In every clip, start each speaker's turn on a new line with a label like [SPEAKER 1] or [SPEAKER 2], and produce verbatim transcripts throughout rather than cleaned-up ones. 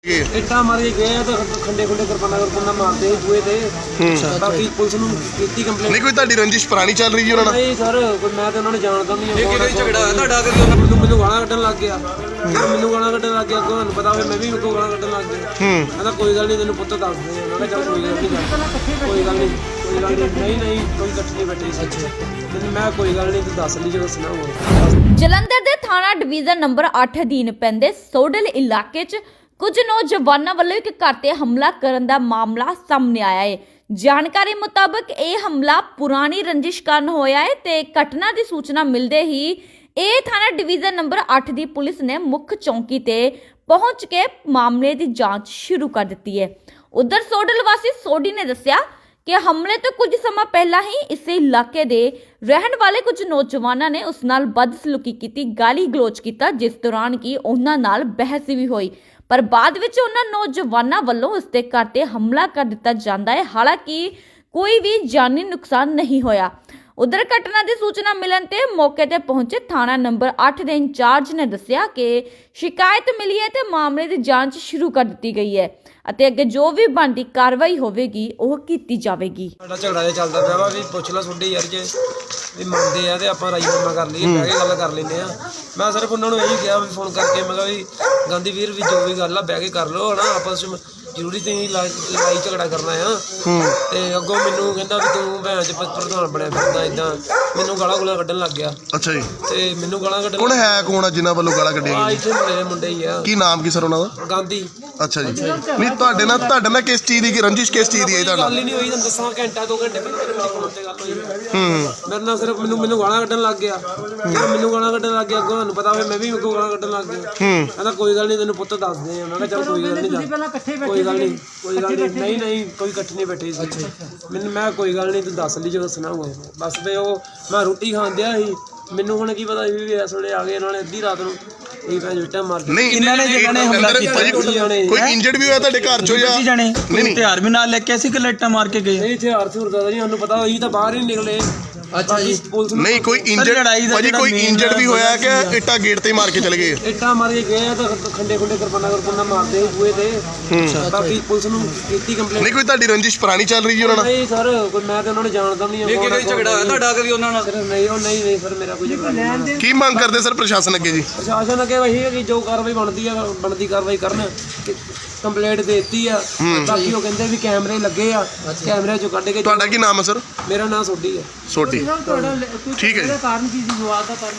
[SPEAKER 1] ਇੱਟਾਂ ਮਾਰ ਕੇ ਗਏ ਤਾਂ ਖੰਡੇ ਖੁੰਡੇ ਕਿਰਪਾਨਾਂ ਕਿਰਪਾਨਾਂ ਮਾਰਦੇ ਸੀ ਬੂਹੇ ਤੇ। ਬਾਕੀ ਪੁਲਿਸ ਨੂੰ ਕੀਤੀ ਕੰਪਲੇਂਟ।
[SPEAKER 2] ਨਹੀਂ ਕੋਈ ਤੁਹਾਡੀ ਰੰਜਿਸ਼ ਪੁਰਾਣੀ ਚੱਲ ਰਹੀ ਜੀ ਉਹਨਾਂ ਨਾਲ?
[SPEAKER 1] ਨਹੀਂ ਸਰ, ਕੋਈ ਮੈਂ ਤੇ ਉਹਨਾਂ ਨੂੰ ਜਾਣਦਾ ਨਹੀਂ। ਇਹ ਕਿਹੜਾ ਝਗੜਾ ਹੋਇਆ ਤੁਹਾਡਾ? ਕਦੀ ਉਹਨਾਂ ਮੈਨੂੰ ਮੈਨੂੰ ਗਾਲਾਂ ਕੱਢਣ ਲੱਗ ਗਿਆ, ਮੈਨੂੰ ਗਾਲਾਂ ਕੱਢਣ ਲੱਗ ਗਿਆ। ਤੁਹਾਨੂੰ ਪਤਾ ਹੋਵੇ ਮੈਂ ਵੀ ਮੈਨੂੰ ਗਾਲਾਂ ਕੱਢਣ ਲੱਗ ਗਿਆ। ਕਹਿੰਦਾ ਕੋਈ ਗੱਲ ਨਹੀਂ, ਤੈਨੂੰ ਪੁੱਤ ਦੱਸ ਦੇ। ਮੈਂ ਕਿਹਾ ਚੱਲ ਕੋਈ ਗੱਲ ਨਹੀਂ, ਕੋਈ ਗੱਲ ਨਹੀਂ ਕੋਈ ਗੱਲ ਨਹੀਂ ਨਹੀਂ ਨਹੀਂ ਕੋਈ ਇਕੱਠੀ ਨਹੀਂ ਬੈਠੀ ਸੱਚ। ਮੈਂ ਕੋਈ ਗੱਲ ਨਹੀਂ, ਤੂੰ ਦੱਸ ਲਈ ਜੋ ਦੱਸਣਾ ਹੋਵੇ।
[SPEAKER 3] ਜਲੰਧਰ ਦੇ ਥਾਣਾ ਡਿਵੀਜ਼ਨ ਨੰਬਰ ਅੱਠ ਅਧੀਨ ਪੈਂਦੇ ਸੋਡਲ ਇਲਾਕੇ 'ਚ ਕੁਝ ਨੌਜਵਾਨਾਂ ਵੱਲੋਂ ਇੱਕ ਘਰ ਤੇ ਹਮਲਾ ਕਰਨ ਦਾ ਮਾਮਲਾ ਸਾਹਮਣੇ ਆਇਆ ਹੈ। ਜਾਣਕਾਰੀ ਮੁਤਾਬਕ ਇਹ ਹਮਲਾ ਪੁਰਾਣੀ ਰੰਜਿਸ਼ ਕਾਰਨ ਹੋਇਆ ਹੈ ਤੇ ਘਟਨਾ ਦੀ ਸੂਚਨਾ ਮਿਲਦੇ ਹੀ ਇਹ ਥਾਣਾ ਡਿਵੀਜ਼ਨ ਨੰਬਰ ਅੱਠ ਦੀ ਪੁਲਿਸ ਨੇ ਮੁੱਖ ਚੌਂਕੀ ਤੇ ਪਹੁੰਚ ਕੇ ਮਾਮਲੇ ਦੀ ਜਾਂਚ ਸ਼ੁਰੂ ਕਰ ਦਿੱਤੀ ਹੈ। ਉਧਰ ਸੋਡਲ ਵਾਸੀ ਸੋਢੀ ਨੇ ਦੱਸਿਆ ਕਿ ਹਮਲੇ ਤੋਂ ਕੁਝ ਸਮਾਂ ਪਹਿਲਾਂ ਹੀ ਇਸੇ ਇਲਾਕੇ ਦੇ ਰਹਿਣ ਵਾਲੇ ਕੁਝ ਨੌਜਵਾਨਾਂ ਨੇ ਉਸ ਨਾਲ ਬਦਸਲੂਕੀ ਕੀਤੀ, ਗਾਲੀ ਗਲੋਚ ਕੀਤਾ, ਜਿਸ ਦੌਰਾਨ ਕਿ ਉਹਨਾਂ ਨਾਲ ਬਹਿਸ ਵੀ ਹੋਈ। ਪਰ ਬਾਅਦ ਵਿੱਚ ਉਹਨਾਂ ਨੌਜਵਾਨਾਂ ਵੱਲੋਂ ਉਸ ਦੇ ਘਰ ਤੇ ਹਮਲਾ ਕਰ ਦਿੱਤਾ ਜਾਂਦਾ ਹੈ। ਹਾਲਾਂਕਿ ਕੋਈ ਵੀ ਜਾਨੀ ਨੁਕਸਾਨ ਨਹੀਂ ਹੋਇਆ। ਉਧਰ ਘਟਨਾ ਦੀ ਸੂਚਨਾ ਮਿਲਣ ਤੇ ਮੌਕੇ ਤੇ ਪਹੁੰਚੇ ਥਾਣਾ ਨੰਬਰ ਅੱਠ ਦੇ ਇੰਚਾਰਜ ਨੇ ਦੱਸਿਆ ਕਿ ਸ਼ਿਕਾਇਤ ਮਿਲੀ ਹੈ ਤੇ ਮਾਮਲੇ ਦੀ ਜਾਂਚ ਸ਼ੁਰੂ ਕਰ ਦਿੱਤੀ ਗਈ ਹੈ ਅਤੇ ਅੱਗੇ ਜੋ ਵੀ ਬਣਦੀ ਕਾਰਵਾਈ ਹੋਵੇਗੀ ਉਹ ਕੀਤੀ ਜਾਵੇਗੀ।
[SPEAKER 1] ਸਾਡਾ ਝਗੜਾ ਜਿਹਾ ਚੱਲਦਾ ਪਿਆ ਵਾ, ਵੀ ਪੁੱਛ ਲਾ ਤੁਹਾਡੇ ਯਾਰ ਜੇ ਵੀ ਮੰਨਦੇ ਆ ਤੇ ਆਪਾਂ ਰਾਜੀਨਾਮਾ ਕਰ ਲਈਏ, ਬਹਿ ਕੇ ਗੱਲ ਕਰ ਲੈਂਦੇ ਆ। ਮੈਂ ਸਿਰਫ ਉਹਨਾਂ ਨੂੰ ਇਹੀ ਕਿਹਾ ਵੀ ਫੋਨ ਕਰਕੇ, ਮੈਂ ਕਿਹਾ ਵੀ ਗਾਂਧੀ ਵੀਰ ਵੀ ਜੋ ਵੀ ਗੱਲ ਆ ਬਹਿ ਕੇ ਕਰ ਲਓ ਹਨਾ, ਆਪਸ ਵਿੱਚ ਜ਼ਰੂਰੀ ਤੇ ਲੜਾਈ ਝਗੜਾ ਕਰਨਾ ਆ। ਤੇ ਅੱਗੋਂ ਮੈਨੂੰ ਕਹਿੰਦਾ ਵੀ ਤੂੰ ਭੈਣ ਚ ਪ੍ਰਧਾਨ ਬਣਿਆ ਫਿਰਦਾ, ਏਦਾਂ ਮੈਨੂੰ ਗਾਲਾਂ ਗੁਲਾਂ ਕੱਢਣ ਲੱਗ ਗਿਆ।
[SPEAKER 2] ਅੱਛਾ ਜੀ।
[SPEAKER 1] ਤੇ ਮੈਨੂੰ ਗਾਲਾਂ ਕੱਢਣ
[SPEAKER 2] ਕੌਣ ਹੈ ਕੌਣ ਆ ਜਿਨ੍ਹਾਂ ਵੱਲੋਂ ਗਾਲਾਂ ਕੱਢੀਆਂ
[SPEAKER 1] ਆ ਇੱਥੇ ਮੁੰਡੇ ਮੁੰਡੇ ਹੀ ਆ।
[SPEAKER 2] ਕੀ ਨਾਮ ਕੀ ਸਰ ਉਹਨਾਂ ਦਾ?
[SPEAKER 1] ਗਾਂਧੀ।
[SPEAKER 2] ਅੱਛਾ ਜੀ। ਨਹੀਂ ਤੁਹਾਡੇ ਨਾਲ ਤੁਹਾਡੇ ਨਾਲ ਕਿਸ ਚੀਜ਼ ਦੀ ਰੰਜਿਸ਼ ਕਿਸ ਚੀਜ਼ ਦੀ ਹੈ ਤੁਹਾਡਾ?
[SPEAKER 1] ਗੱਲ ਹੀ ਨਹੀਂ ਹੋਈ, ਤੁਹਾਨੂੰ ਦੱਸਾਂ ਘੰਟਾ ਦੋ ਘੰਟੇ ਪਹਿਲਾਂ ਮੇਰੇ ਫੋਨ ਤੇ ਗੱਲ ਹੋਈ। ਹੂੰ ਮੇਰੇ ਨਾਲ ਸਿਰਫ ਮੈਨੂੰ ਮੈਨੂੰ ਗਾਲਾਂ ਕੱਢਣ ਲੱਗ ਗਿਆ, ਮੈਨੂੰ ਗਾਲਾਂ ਕੱਢਣ ਲੱਗ ਗਿਆ। ਅੱਗੋਂ ਤੁਹਾਨੂੰ ਪਤਾ ਹੋਵੇ ਮੈਂ ਵੀ ਮੈਨੂੰ ਗਾਲਾਂ ਕੱਢਣ ਲੱਗ ਗਿਆ। ਕਹਿੰਦਾ ਕੋਈ ਗੱਲ ਨਹੀਂ, ਤੈਨੂੰ ਪੁੱਤ ਦੱਸ ਦੇ। ਮੈਂ ਕਿਹਾ ਚੱਲ ਕੋਈ ਗੱਲ ਨਹੀਂ, ਕੋਈ ਗੱਲ ਨਹੀਂ ਕੋਈ ਗੱਲ ਨਹੀਂ ਨਹੀਂ ਨਹੀਂ ਕੋਈ ਇਕੱਠੀ ਨਹੀਂ ਬੈਠੀ ਸੱਚ। ਮੈਨੂੰ ਮੈਂ ਕੋਈ ਗੱਲ ਨਹੀਂ, ਤੂੰ ਦੱਸ ਲਈ ਜੋ ਦੱਸਣਾ ਹੋਵੇ ਬਸ। ਤੇ ਉਹ ਮੈਂ ਰੋਟੀ ਖਾਣ ਦਿਆ ਸੀ, ਮੈਨੂੰ ਹੁਣ ਕੀ ਪਤਾ ਸੀ ਵੀ ਇਸ ਵੇਲੇ ਆ ਗਏ ਇਹਨਾਂ ਨੇ ਅੱਧੀ ਰਾਤ ਨੂੰ ਇਹ ਭੈਣ ਜੁੱਟਾ ਮਾਰ ਦਿੱਤਾ।
[SPEAKER 2] ਨਹੀਂ ਇਹਨਾਂ ਨੇ ਜਿਹੜਾ ਨੇ ਹਮਲਾ ਕੀਤਾ ਕੋਈ ਇੰਜਰਡ ਵੀ ਹੋਇਆ ਤੁਹਾਡੇ ਘਰ ਚੋਂ ਜਾਂ
[SPEAKER 4] ਜਾਣੇ? ਨਹੀਂ ਹਥਿਆਰ ਵੀ ਨਾਲ ਲੈ ਕੇ ਅਸੀਂ ਕਿ ਲੱਟਾਂ ਮਾਰ ਕੇ ਗਏ?
[SPEAKER 1] ਨਹੀਂ ਹਥਿਆਰ ਹਥਿਆਰ ਦਾ ਨਹੀਂ ਸਾਨੂੰ ਪਤਾ, ਹੋਈ ਤਾਂ ਬਾਹਰ ਹੀ ਨਿਕਲੇ।
[SPEAKER 4] ਅੱਛਾ ਜੀ।
[SPEAKER 1] ਪੁਲਿਸ
[SPEAKER 2] ਨਹੀਂ ਕੋਈ ਇੰਜਰਡ ਭਾਜੀ ਕੋਈ ਇੰਜਰਡ ਵੀ ਹੋਇਆ ਕਿ ਇੱਟਾਂ ਗੇਟ ਤੇ ਮਾਰ ਕੇ ਚਲੇ ਗਏ?
[SPEAKER 1] ਇੱਟਾਂ ਮਾਰ ਕੇ ਗਏ ਤਾਂ ਖੰਡੇ ਖੁੰਡੇ ਕਿਰਪਾਨਾਂ ਕਿਰਪਾਨਾਂ ਮਾਰਦੇ ਸੀ ਬੂਹੇ ਤੇ। ਬਾਕੀ ਪੁਲਿਸ ਨੂੰ ਕੀਤੀ ਕੰਪਲੇਂਟ।
[SPEAKER 2] ਨਹੀਂ ਕੋਈ ਤੁਹਾਡੀ ਰੰਜਿਸ਼ ਪੁਰਾਣੀ ਚੱਲ ਰਹੀ ਜੀ ਉਹਨਾਂ ਨਾਲ?
[SPEAKER 1] ਨਹੀਂ ਸਰ, ਕੋਈ ਮੈਂ ਤੇ ਉਹਨਾਂ ਨੂੰ ਜਾਣਦਾ ਨਹੀਂ।
[SPEAKER 5] ਇਹ ਕਿਹੜਾ ਝਗੜਾ ਹੋਇਆ ਤੁਹਾਡਾ? ਕਦੀ ਉਹਨਾਂ ਨਾਲ?
[SPEAKER 1] ਨਹੀਂ ਉਹ ਨਹੀਂ ਨਹੀਂ ਸਰ, ਮੇਰਾ ਕੋਈ ਝਗੜਾ ਨਹੀਂ।
[SPEAKER 2] ਕੀ ਮੰਗ ਕਰਦੇ ਸਰ ਪ੍ਰਸ਼ਾਸਨ ਅੱਗੇ ਜੀ?
[SPEAKER 1] ਪ੍ਰਸ਼ਾਸਨ ਅੱਗੇ ਇਹੀ ਹੈ ਕਿ ਜੋ ਕਾਰਵਾਈ ਬਣਦੀ ਆ ਬਣਦੀ ਕਾਰਵਾਈ ਕਰਨ। ਕੰਪਲੇਂਟ ਦੇ ਦਿੱਤੀ ਆ, ਬਾਕੀ ਉਹ ਕਹਿੰਦੇ ਵੀ ਕੈਮਰੇ ਲੱਗੇ ਆ, ਕੈਮਰੇ ਚੋਂ ਕੱਢ ਕੇ।
[SPEAKER 2] ਤੁਹਾਡਾ ਕੀ ਨਾਮ ਹੈ ਸਰ?
[SPEAKER 1] ਮੇਰਾ ਨਾਮ ਸੋਢੀ ਹੈ।
[SPEAKER 2] ਸੋਢੀ, ਠੀਕ ਹੈ ਜੀ।
[SPEAKER 1] ਕਾਰਨ ਕੀ ਸੀ ਵਿਵਾਦ ਦਾ ਕਾਰਨ?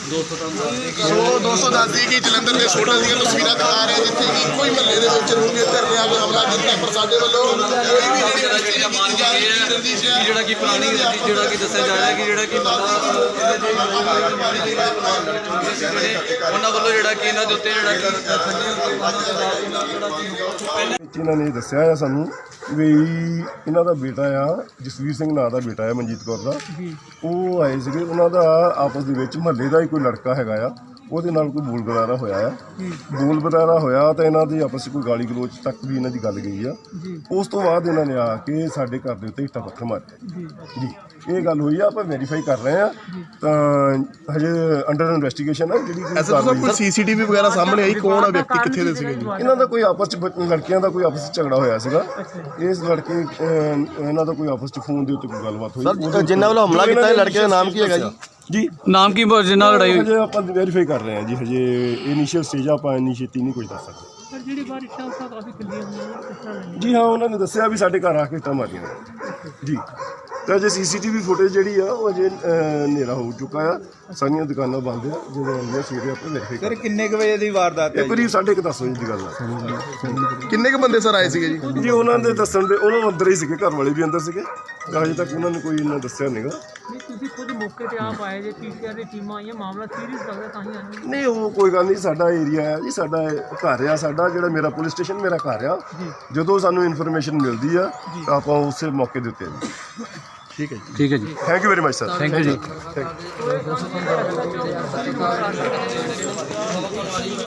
[SPEAKER 2] ਸੋ ਦੋਸਤੋ ਦੱਸਦੀ ਕਿ ਜਲੰਧਰ ਦੇ ਸੋਡਲ ਦੀਆਂ ਤਸਵੀਰਾਂ ਦਿਖਾ ਰਹੇ ਜਿੱਥੇ ਇੱਕੋ ਹੀ ਮਹੱਲੇ ਦੇ ਵਿੱਚ ਰੂਗੇ ਧਰਨੇ ਆ ਕੇ ਹਮਲਾ ਕੀਤਾ, ਪਰ ਸਾਡੇ ਵੱਲੋਂ ਕੋਈ ਵੀ
[SPEAKER 5] ਜਿਹੜਾ ਕਿ ਪੁਰਾਣੀ ਜਿਹੜਾ ਕਿ ਦੱਸਿਆ ਜਾ ਰਿਹਾ ਕਿ ਜਿਹੜਾ ਕਿ ਉਹਨਾਂ ਵੱਲੋਂ ਜਿਹੜਾ ਕਿ ਇਹਨਾਂ ਦੇ ਉੱਤੇ ਜਿਹੜਾ
[SPEAKER 6] ਇਹਨਾਂ ਨੇ ਦੱਸਿਆ ਆ ਸਾਨੂੰ ਵੀ ਇਹਨਾਂ ਦਾ ਬੇਟਾ ਆ ਜਸਵੀਰ ਸਿੰਘ ਨਾਂ ਦਾ ਬੇਟਾ ਆ, ਮਨਜੀਤ ਕੌਰ ਦਾ। ਉਹ ਆਏ ਸੀਗੇ, ਉਹਨਾਂ ਦਾ ਆਪਸ ਦੇ ਵਿੱਚ ਮਹੱਲੇ ਦਾ ਹੀ ਕੋਈ ਲੜਕਾ ਹੈਗਾ ਆ, ਉਹਦੇ ਨਾਲ ਕੋਈ ਬੋਲ ਬਰਾਰਾ ਹੋਇਆ ਆ। ਬੋਲ ਬਰਾਰਾ ਹੋਇਆ ਤਾਂ ਇਹਨਾਂ ਦੀ ਆਪਸ 'ਚ ਕੋਈ ਗਾਲੀ ਗਲੋਚ ਤੱਕ ਵੀ ਇਹਨਾਂ ਦੀ ਗੱਲ ਗਈ ਆ। ਉਸ ਤੋਂ ਬਾਅਦ ਇਹਨਾਂ ਨੇ ਆ ਕੇ ਸਾਡੇ ਘਰ ਦੇ ਉੱਤੇ ਇੱਟਾਂ ਪੱਥਰ ਮਾਰੇ ਜੀ। ਇਹ ਗੱਲ ਹੋਈ ਆ, ਆਪਾਂ ਵੈਰੀਫਾਈ ਕਰ ਰਹੇ ਆ, ਤਾਂ ਹਜੇ ਅੰਡਰ ਇਨਵੈਸਟੀਗੇਸ਼ਨ ਆ ਜਿਹੜੀ
[SPEAKER 2] ਕੋਈ ਸੀਸੀਟੀਵੀ ਵਗੈਰਾ ਸਾਹਮਣੇ ਆਈ? ਕੌਣ ਆ ਵਿਅਕਤੀ, ਕਿੱਥੇ ਦੇ ਸੀਗੇ ਜੀ?
[SPEAKER 6] ਇਹਨਾਂ ਦਾ ਕੋਈ ਆਪਸ 'ਚ ਲੜਕੀਆਂ ਦਾ ਕੋਈ ਆਪਸ 'ਚ ਝਗੜਾ ਹੋਇਆ ਸੀਗਾ। ਇਸ ਲੜਕੇ ਇਹਨਾਂ ਦਾ ਕੋਈ ਆਪਸ 'ਚ ਫੋਨ ਦੇ ਉੱਤੇ ਕੋਈ ਗੱਲਬਾਤ ਹੋਈ।
[SPEAKER 2] ਸਰ ਜਿਨ੍ਹਾਂ ਵੱਲੋਂ ਹਮਲਾ ਕੀਤਾ ਲੜਕੇ ਦਾ ਨਾਮ ਕੀ ਹੈਗਾ ਜੀ?
[SPEAKER 6] ਜੀ
[SPEAKER 5] ਨਾਮ ਕੀ ਜਿੰਨਾ ਲੜਾਈ ਹੋਈ?
[SPEAKER 6] ਹਜੇ ਆਪਾਂ ਵੈਰੀਫਾਈ ਕਰ ਰਹੇ ਹਾਂ ਜੀ, ਹਜੇ ਇਨੀਸ਼ੀਅਲ ਸਟੇਜ ਆਪਾਂ ਇੰਨੀ ਛੇਤੀ ਨਹੀਂ ਕੋਈ ਦੱਸ ਸਕਦੇ।
[SPEAKER 7] ਸਰ ਜਿਹੜੀ ਬਾਹਰ ਇੱਟਾਂ ਉੱਟਾਂ ਕਾਫੀ ਖਿੱਲੀਆਂ ਹੋਈਆਂ ਕਿਸ ਤਰ੍ਹਾਂ?
[SPEAKER 6] ਜੀ ਹਾਂ, ਉਹਨਾਂ ਨੇ ਦੱਸਿਆ ਵੀ ਸਾਡੇ ਘਰ ਆ ਕੇ ਇੱਟਾਂ ਮਾਰੀਆਂ ਜੀ। ਤਾਂ ਅਜੇ ਸੀਸੀਟੀਵੀ ਫੁਟੇਜ ਜਿਹੜੀ ਆ ਉਹ ਅਜੇ ਹਨੇਰਾ ਹੋ ਚੁੱਕਾ ਆ, ਸਾਰੀਆਂ ਦੁਕਾਨਾਂ ਬੰਦ ਆ। ਜਦੋਂ ਆਉਂਦੀਆਂ ਸਵੇਰੇ ਆਪਾਂ ਵੈਰੀਫਾਈ ਕਰਾਂਗੇ।
[SPEAKER 4] ਕਿੰਨੇ ਕੁ ਵਜੇ ਦੀ ਵਾਰਦਾਤ ਹੈ?
[SPEAKER 6] ਇਹ ਕਰੀਬ ਸਾਢੇ ਕੁ ਦਸ ਵਜੇ ਦੀ ਗੱਲ ਆ।
[SPEAKER 2] ਕਿੰਨੇ ਕੁ ਬੰਦੇ ਸਰ ਆਏ ਸੀਗੇ ਜੀ?
[SPEAKER 6] ਜੀ ਉਹਨਾਂ ਦੇ ਦੱਸਣ ਦੇ ਉਹਨਾਂ ਅੰਦਰ ਹੀ ਸੀਗੇ, ਘਰ ਵਾਲੇ ਵੀ ਅੰਦਰ ਸੀਗੇ। ਅਜੇ ਤੱਕ ਉਹਨਾਂ ਨੇ ਕੋਈ ਇੰਨਾ ਦੱਸਿਆ ਨਹੀਂਗਾ।
[SPEAKER 7] ਨਹੀਂ ਤੁਸੀਂ ਖੁਦ ਮੌਕੇ ਤੇ ਆਪ ਆਏ ਜੇ, ਪੀਸੀਆਰ ਦੀ ਟੀਮਾਂ ਆਈਆਂ, ਮਾਮਲਾ ਸੀਰੀਅਸ ਲੱਗਦਾ ਤਾਂ ਹੀ ਆਏ?
[SPEAKER 6] ਨਹੀਂ ਉਹ ਕੋਈ ਗੱਲ ਨਹੀਂ, ਸਾਡਾ ਏਰੀਆ ਆ ਜੀ, ਸਾਡਾ ਘਰ ਆ, ਸਾਡਾ ਜਿਹੜਾ ਮੇਰਾ ਪੁਲਿਸ ਸਟੇਸ਼ਨ ਮੇਰਾ ਘਰ ਆ। ਜਦੋਂ ਸਾਨੂੰ ਇਨਫੋਰਮੇਸ਼ਨ ਮਿਲਦੀ ਆ ਤਾਂ ਆਪਾਂ ਉਸੇ ਮੌਕੇ ਦੇ ਉੱਤੇ ਆ ਜੀ।
[SPEAKER 2] ਠੀਕ ਹੈ ਜੀ।
[SPEAKER 5] ਠੀਕ ਹੈ ਜੀ,
[SPEAKER 6] thank you very much sir.
[SPEAKER 5] Thank you ਜੀ।